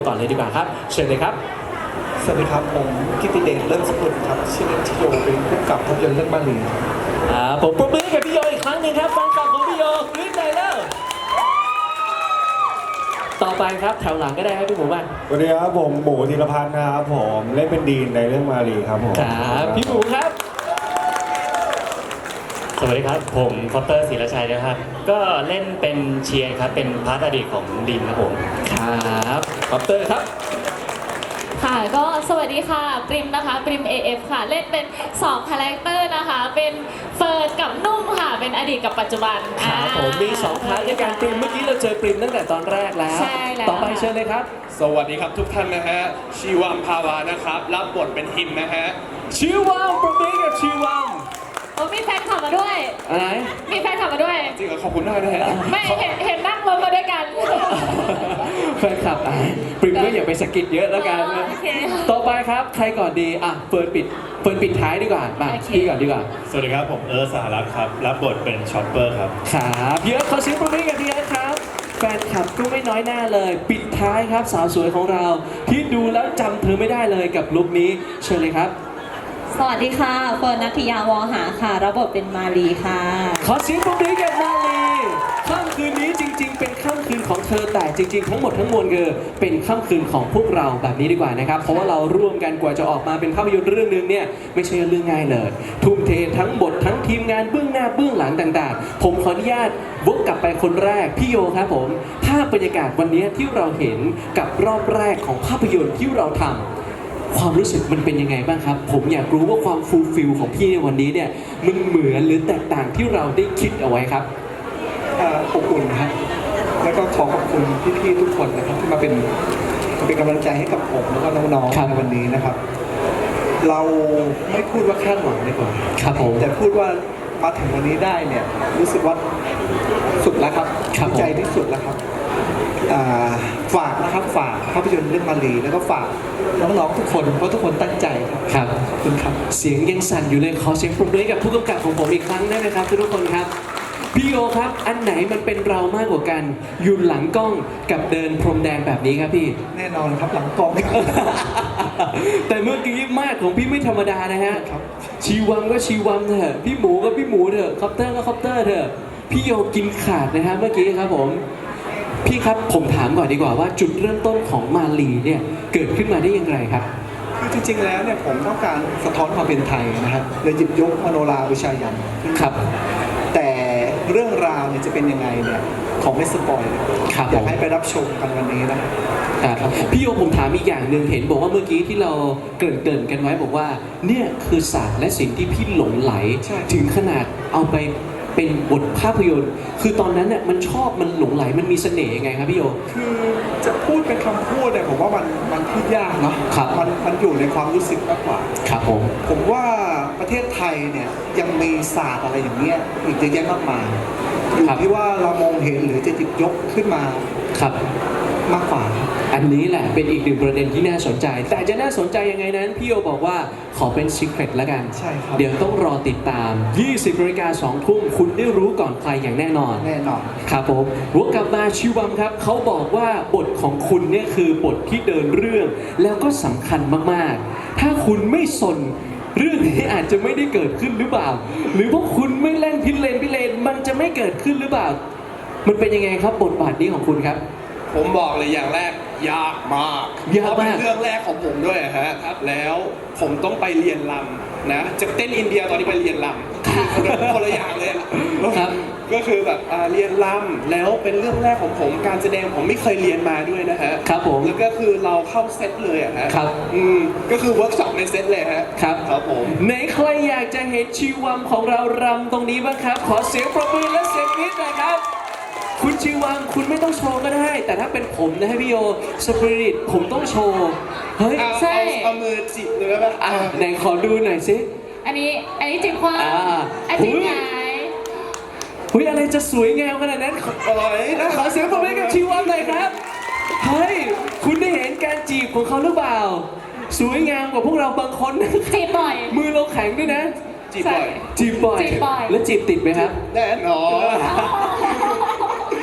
ก่อนเลยดีกว่าครับเชิญเลยครับสวัสดีครับผมกิตติเดชเลิศสกุลครับชื่อเล่นชื่อโยเป็นผู้กำกับภาพยนตร์เรื่องมาลีผมปรบมือให้กับพี่โยอีกครั้งหนึ่งครับแฟนคลับของพี่โยกรี๊ดใจแล้วต่อไปครับแถวหลังก็ได้ครับพี่หมูบ้างสวัสดีครับผมหมูธีรพัฒน์ครับผมเล่นเป็นดีนในเรื่องมาลีครับผมครับพี่หมูครับสวัสดีครับผมคอปเตอร์ศิรชัยนะครับก็เล่นเป็นเชียร์ครับเป็นพาร์ทอดีตของดินครับผมครับคอปเตอร์ครับค่ะก็สวัสดีค่ะปริมนะคะปริม AF ค่ะเล่นเป็น2คาแรคเตอร์นะคะเป็นเฟิร์นกับนุ่มค่ะเป็นอดีตกับปัจจุบันครับผมมี2พาร์ทในการปริมเมื่อกี้เราเจอปริมตั้งแต่ตอนแรกแล้วใช่แล้วต่อไปเชิญเลยครับสวัสดีครับทุกท่านนะฮะชีวัมภาวานะครับรับบทเป็นฮิมนะฮะชีวัมปรบมือกับชีวัมมีแฟนขับมาด้วยอะไรมีแฟนขับมาด้วยจริงเหรอขอบคุณมากนะฮะไม่เห็นนั่งรถมาด้วยกันแฟนคลับปริมก็อย่าไปสกิดเยอะแล้วกันต่อไปครับใครก่อนดีเฟิร์นปิดท้ายดีกว่ามาพี่ก่อนดีกว่าสวัสดีครับผมสหรัฐครับรับบทเป็นช็อปเปอร์ครับครับเยอะขอเสียงปรบมือกับพี่ครับแฟนคลับก็ไม่น้อยหน้าเลยปิดท้ายครับสาวสวยของเราที่ดูแล้วจำเธอไม่ได้เลยกับลุคนี้เชิญเลยครับสวัสดีค่ะเฟิร์นณัฐยาวอหาค่ะรับบทเป็นมาลีค่ะขอเสียงปรบมือกับมาลีค่ำคืนนี้จริงๆเป็นค่ำคืนของเธอแต่จริงๆทั้งหมดทั้งมวลคือเป็นค่ำคืนของพวกเราแบบนี้ดีกว่านะครับเพราะว่าเราร่วมกันกว่าจะออกมาเป็นภาพยนตร์เรื่องนึงเนี่ยไม่ใช่เรื่องง่ายเลยทุ่มเททั้งบททั้งทีมงานเบื้องหน้าเบื้องหลังต่างๆผมขออนุญาตวกกลับไปคนแรกพี่โยครับผมภาพบรรยากาศวันนี้ที่เราเห็นกับรอบแรกของภาพยนตร์ที่เราทำความรู้สึกมันเป็นยังไงบ้างครับผมอยากรู้ว่าความฟูลฟิลของพี่ในวันนี้เนี่ยมันเหมือนหรือแตกต่างที่เราได้คิดเอาไว้ครับอบอุ่นครับแล้วก็ขอขอบคุณพี่ๆทุกคนนะครับที่มาเป็นกำลังใจให้กับผมแล้วก็น้องๆในวันนี้นะครับเราไม่พูดว่าคาดหวังดีกว่าครับผมแต่พูดว่ามาถึงวันนี้ได้เนี่ยรู้สึกว่าสุดแล้วครับใจที่สุดแล้วครับฝากนะครับฝากภาพยนตร์เรื่องมาลีแล้วก็ฝากน้องๆทุกคนเพราะทุกคนตั้งใจครับขอบคุณครับเสียงยังสั่นอยู่เลยขอเสียงปรบมือกับผู้กำกับของผมอีกครั้งได้ไหมครับทุกคนครับพี่โยครับอันไหนมันเป็นเรามากกว่ากันอยู่หลังกล้องกับเดินพรมแดงแบบนี้ครับพี่แน่นอนครับหลังกล้องแต่เมื่อกี้มากของพี่ไม่ธรรมดานะฮะชีวังก็ชีวังเถอะพี่หมูก็พี่หมูเถอะคอปเตอร์ก็คอปเตอร์เถอะพี่โยกินขาดนะฮะเมื่อกี้ครับผมพี่ครับผมถามก่อนดีกว่าว่าจุดเริ่มต้นของมาลีเนี่ยเกิดขึ้นมาได้อย่างไรครับคือจริงๆแล้วเนี่ยผมต้องการสะท้อนความเป็นไทยนะครับเลยหยิบยกมโนราวิชายันครับแต่เรื่องราวเนี่ยจะเป็นยังไงเนี่ยของไม่สปอยอยากให้ไปรับชมกันวันนี้นะครับพี่โยผมถามอีกอย่างหนึ่งเห็นบอกว่าเมื่อกี้ที่เราเกริ่นกันไว้บอกว่าเนี่ยคือศาสตร์และศิลป์ที่พี่หลงไหลถึงขนาดเอาไปเป็นบทภาพยนตร์คือตอนนั้นเนี่ยมันชอบมันหลงไหลมันมีเสน่ห์ยังไงครับพี่โยคือจะพูดเป็นคำพูดเนี่ยผมว่ามันพูดยากเนาะมันอยู่ในความรู้สึกมากกว่าครับผมว่าประเทศไทยเนี่ยยังมีศาสตร์อะไรอย่างเงี้ยอีกเยอะแยะมากมายอยู่ที่ว่าเรามองเห็นหรือจะหยิบยกขึ้นมาครับมากกว่าอันนี้แหละเป็นอีกหนึ่งประเด็นที่น่าสนใจแต่จะน่าสนใจยังไงนั้นพี่โยบอกว่าขอเป็นซีเคร็ตแล้วกันใช่ครับเดี๋ยวต้องรอติดตาม 20 นาฬิกา 2 ทุ่มคุณได้รู้ก่อนใครอย่างแน่นอนครับผมวกกลับมาชิวัมครับเขาบอกว่าบทของคุณเนี่ยคือบทที่เดินเรื่องแล้วก็สำคัญมากๆถ้าคุณไม่สนเรื่องนี้อาจจะไม่ได้เกิดขึ้นหรือเปล่าหรือว่าคุณไม่เล่นพิเรนมันจะไม่เกิดขึ้นหรือเปล่ามันเป็นยังไงครับบทบาทนี้ของคุณครับผมบอกเลยอย่างแรกยากมากเพราะเป็นเรื่องแรกของผมด้วยฮะแล้วผมต้องไปเรียนรำนะจากเต้นอินเดียตอนนี้ไปเรียนรำคนละอย่างเลยครับก็คือแบบเรียนรำแล้วเป็นเรื่องแรกของผมการแสดงผมไม่เคยเรียนมาด้วยนะฮะครับผมแล้วก็คือเราเข้าเซตเลยอะฮะครับก็คือเวิร์กช็อปในเซตเลยฮะครับผมไหนใครอยากจะเห็นชีวัมของเรารำตรงนี้บ้างครับขอเสียงปรบมือและเสียงกรี๊ดหน่อยครับคุณชีวังคุณไม่ต้องโชว์ก็ได้แต่ถ้าเป็นผมนะพี่โยสปิริตผมต้องโชว์เฮ้ยใช่เอามือจิบเลยไหมไหนขอดูหน่อยสิอันนี้จิบคว้าอันนี้ไงอะไรจะสวยงามขนาดนั้นขอเสียงปรบมือกับชีวังหน่อยครับเฮ้ยคุณได้เห็นการจีบของเขาหรือเปล่าสวยงามกว่าพวกเราบางคนจีบบ่อยมือเราแข็งด้วยนะจีบบ่อยแล้วจีบติดไหมครับแน่นอน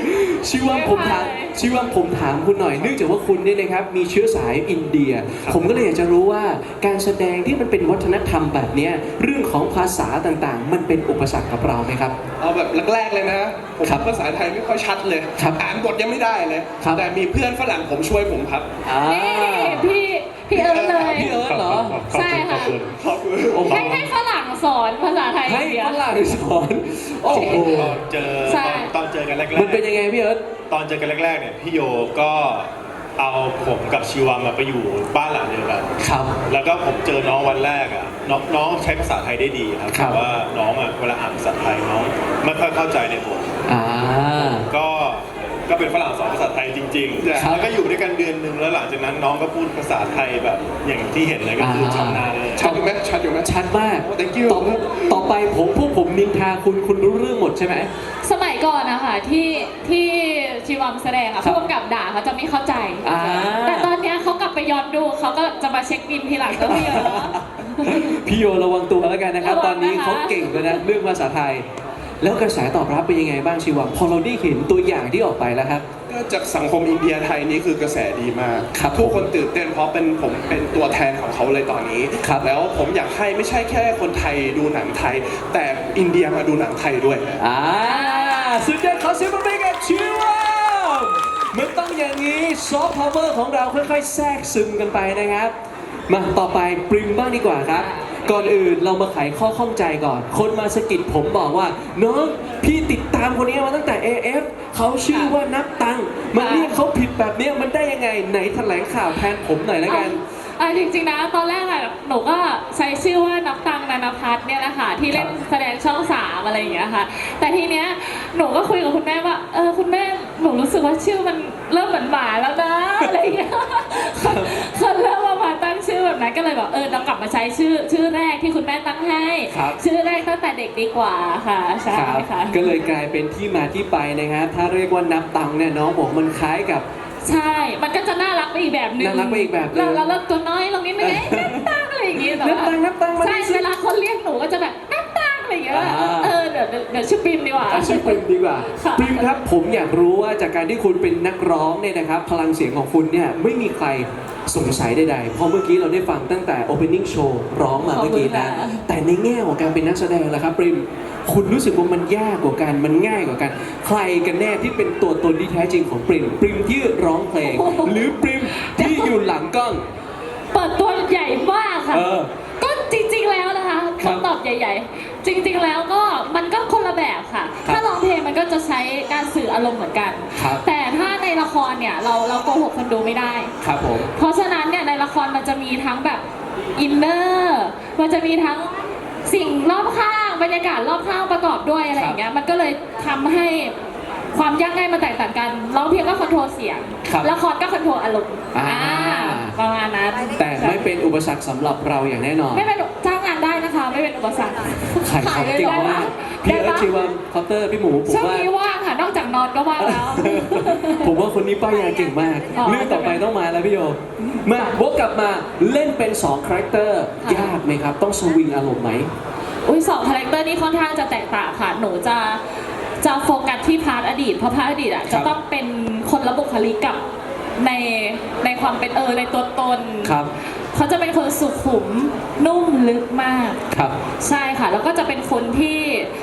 ชีวัมผมถามชีวัมผมถามคุณหน่อยเนื่องจากว่าคุณเนี่ยนะครับมีเชื้อสายอินเดีย ผมก็เลยอยากจะรู้ว่าการแสดงที่มันเป็นวัฒนธรรมแบบเนี้ยเรื่องของภาษาต่างๆ มันเป็นอุปสรรคกับเราไหมครับเอาแบบแรกๆเลยนะ ผมครับภาษาไทยไม่ค่อยชัดเลยครับอ่านบทยังไม่ได้เลยครับแต่มีเพื่อนฝรั่งผมช่วยผมครับนี่พี่เอิร์ธเลยพี่เอิร์ธเหรอใช่ค่ะขอบคุณโอ้โหให้ฝรั่งสอนภาษาไทยให้เดียฝรั่งสอนโอ้โหตอนเจอใช่ตอนเจอกันแรกมันเป็นยังไงพี่เอิร์ธตอนเจอกันแรกๆเนี่ยพี่โยก็เอาผมกับชีวามาไปอยู่บ้านหลังเดียวกันครับแล้วก็ผมเจอน้องวันแรกอ่ะน้องใช้ภาษาไทยได้ดีครับครับแต่ว่าน้องอ่ะเวลาอ่านภาษาไทยน้องไม่ค่อยเข้าใจในบทอ่าก็เป็นฝรั่งสอนภาษาไทยจริงๆครับแล้วก็อยู่ด้วยกันเดือนหนึ่งแล้วหลังจากนั้นน้องก็พูดภาษาไทยแบบอย่างที่เห็นเลยก็คือชำนาญเลยชัดอยู่ไหมชัดอยู่ไหมชัดมาก Thank you ต่อไปพวกผมนินทาคุณรู้เรื่องหมดใช่ไหมสมัยก่อนนะคะที่ชีวัมแสดงอะครับผู้กำกับด่าเขาจะไม่เข้าใจอ่าแต่ตอนเนี้ยเขากลับไปย้อนดูเขาก็จะมาเช็คบินทีหลังก็พี่เยอะพี่โยระวังตัวแล้วกันนะครับระวังตอนนี้นะคะเขาเก่งแล้วนะเรื่องภาษาไทย แล้วกระแสตอบรับเป็นยังไงบ้างชีวัมพอเราได้เห็นตัวอย่างที่ออกไปแล้วครับก็จากสังคมอินเดียไทยนี่คือกระแสดีมากครับทุกคนตื่นเต้นเพราะผมเป็นตัวแทนของเขาเลยตอนนี้ครับแล้วผมอยากให้ไม่ใช่แค่คนไทยดูหนังไทย แต่อินเดียมาดูหนังไทยด้วยสุดยอดขอเสียงปรบมือกับชีวัมมันต้องอย่างนี้ซอฟต์พาวเวอร์ของเราค่อยๆแทรกซึมกันไปนะครับ มาต่อไปปริมบ้างดีกว่าครับ ก่อนอื่นเรามาไขข้อข้องใจก่อน คนมาสะกิดผมบอกว่า น้องพี่ติดตามคนนี้มาตั้งแต่ AF เขาชื่อว่านับตังค์มันเรียกเขาผิดแบบเนี้ยมันได้ยังไงไหนแถลงข่าวแทนผมหน่อยแล้วกันจริงๆนะตอนแรกอะหนูก็ใช้ชื่อว่านับตังค์นันพัฒน์เนี่ยแหละค่ะที่เล่นแสดงช่อง3อะไรอย่างเงี้ยค่ะ แต่ทีเนี้ยหนูก็คุยกับคุณแม่ว่าคุณแม่หนูรู้สึกว่าชื่อมันเริ่มเหมือนหมาแล้วนะอะไรอย่างเงี้ยคนเริ่มมาตั้งชื่อแบบนั้นก็เลยบอกเรากลับมาใช้ชื่อแรกที่คุณแม่ตั้งให้ครับชื่อแรกตั้งแต่เด็กดีกว่าค่ะใช่ครับค่ะก็เลยกลายเป็นที่มาที่ไปนะครับถ้าเรียกว่านับตังค์เนี่ยน้องบอกมันคล้ายกับใช่ มันก็จะน่ารักไปอีกแบบนึงน่ารักไปอีกแบบนึงเราตัวน้อยลงนิดนึงนับตังอะไรอย่างงี้แต่ว่านับตังมาใช่ดิสิเวลาคนเรียกหนูก็จะแบบนับตังอะไรอย่างเงี้ย เดี๋ยวชื่อปิมดีกว่าชื่อปริมดีกว่าค่ะปริมครับผมอยากรู้ว่าจากการที่คุณเป็นนักร้องเนี่ยนะครับ พลังเสียงของคุณเนี่ยไม่มีใครสงสัยใดๆเพราะเมื่อกี้เราได้ฟังตั้งแต่ opening show ร้องมาเมื่อกี้นะแต่ในแง่ของการเป็นนักแสดงล่ะครับปริมคุณรู้สึกว่ามันยากกว่ากันมันง่ายกว่ากัน ใครกันแน่ที่เป็นตัวตนที่แท้จริงของปริมปริมที่ร้องเพลง หรือปริมที่อยู่หลังกล้องเปิดตัวใหญ่มากค่ะเออก็จริงๆแล้วนะคะครับคำตอบใหญ่ ๆ จริง ๆแล้วก็มันก็คนละแบบค่ะครับถ้าร้องเพลงมันก็จะใช้การสื่ออารมณ์เหมือนกันครับแต่ถ้าในละครเนี่ยเราโกหกคนดูไม่ได้ครับผมเพราะฉะนั้นเนี่ยในละครมันจะมีทั้งแบบอินเนอร์มันจะมีทั้งสิ่งรอบข้างบรรยากาศรอบข้างประกอบด้วยอะไรอย่างเงี้ยมันก็เลยทำให้ความยากง่ายมันแตกต่างกันร้องเพลงก็คอนโทรลเสียงครับละครก็คอนโทรลอารมณ์อ่าประมาณนั้นแต่ไม่เป็นอุปสรรคสำหรับเราอย่างแน่นอนไม่เป็นจ้างงานได้นะคะ ไม่เป็นอุปสรรคขายของเก่งมากพี่เอิร์ธชีวัมคอปเตอร์พี่หมูผมช่วงว่านี้ว่างค่ะ นอกจากนอนก็ว่างแล้วผมว่าคนนี้ป้ายยาเก่งมากอ๋อเรื่องต่อไปต้องมาแล้วพี่โยมาวกกลับมาเล่นเป็น2คาแรคเตอร์ค่ะยากไหมครับ ต้องสวิงอารมณ์ไหมอุ้ยสองคาแรคเตอร์นี่ค่อนข้างจะแตกต่างค่ะ หนูจะโฟกัสที่พาร์ทอดีต เพราะพาร์ทอดีตอ่ะครัจะบต้องเป็นคนละบุคลิกกับในความเป็นในตัวตนครับเขาจะเป็นคนสุขุมนุ่มลึกมากครับใช่ค่ะ แล้วก็จะเป็นคนที่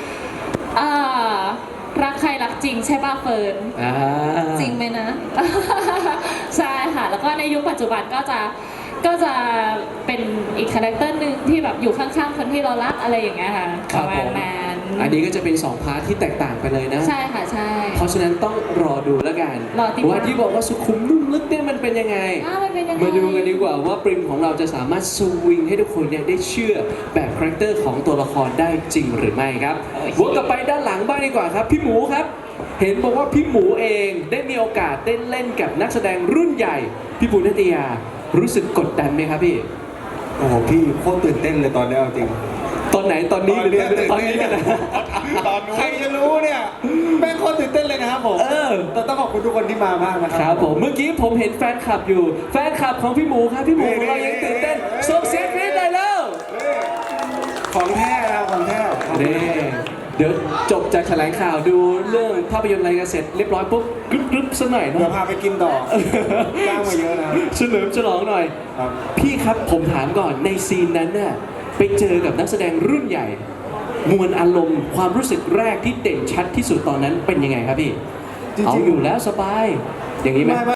รักใครรักจริงใช่ป่ะเฟิร์นจริงไหมนะใช่ค่ะ แล้วก็ในยุคปัจจุบันก็จะเป็นอีกคาแรคเตอร์หนึ่งที่แบบอยู่ข้างๆคนที่เรารักอะไรอย่างเงี้ยค่ะคปรับระมาผณมนั้นอันนี้ก็จะเป็น2พาร์ทที่แตกต่างไปเลยนะใช่ค่ะใช่เพราะฉะนั้นต้องรอดูแล้วกันรอติดตามว่าที่บอกว่าสุขุมนุ่มลึกเนี่ยมันเป็นยังไงมันเป็นยังไงมาดูกันดีกว่าว่าปริมของเราจะสามารถสวิงให้ทุกคนเนี่ยได้เชื่อแบบคาแรคเตอร์ของตัวละครได้จริงหรือไม่ครับวนกลับไปด้านหลังบ้างดีกว่าครับ พี่หมูครับ เห็นบอกว่าพี่หมูเองได้มีโอกาสได้เล่นกับนักแสดงรุ่นใหญ่ พี่ปูนิตยารู้สึกกดดันไหมครับพี่โอ้โหพี่โคตรตื่นเต้นเลยตอนนี้เอาจริงตอนไหนตอนนี้หรือตอนนี้เนี่ยนะตอนนู้นใครจะรู้เนี่ยแม่งโคตรตื่นเต้นเลยนะครับผม แต่ต้องขอบคุณทุกคนที่มามากนะคครัรับผมเมื่อกี้ผมเห็นแฟนคลับอยู่ แฟนคลับของพี่หมูครับพี่หมูของเรายังตื่นเต้นส่งเสียงกรี๊ดได้แล้วของแท้นะครับของแท้ขอบคุณนี่เดี๋ยวจบจากแถลงข่าวดูเรื่องภาพยนตร์อะไรกันเสร็จเรียบร้อยปุ๊บกรึ๊บๆสักหน่อยเดี๋ยวเนาะพาไปกินต่อจ้างมาเยอะนะเฉลิมฉลองหน่อยครับพี่ครับผมถามก่อนในซีนนั้นน่ะไปเจอกับนักแสดงรุ่นใหญ่ มวลอารมณ์ความรู้สึกแรกที่เด่นชัดที่สุดตอนนั้นเป็นยังไงครับพี่จริงๆเอาอยู่แล้วสบาย อย่างนี้ไหม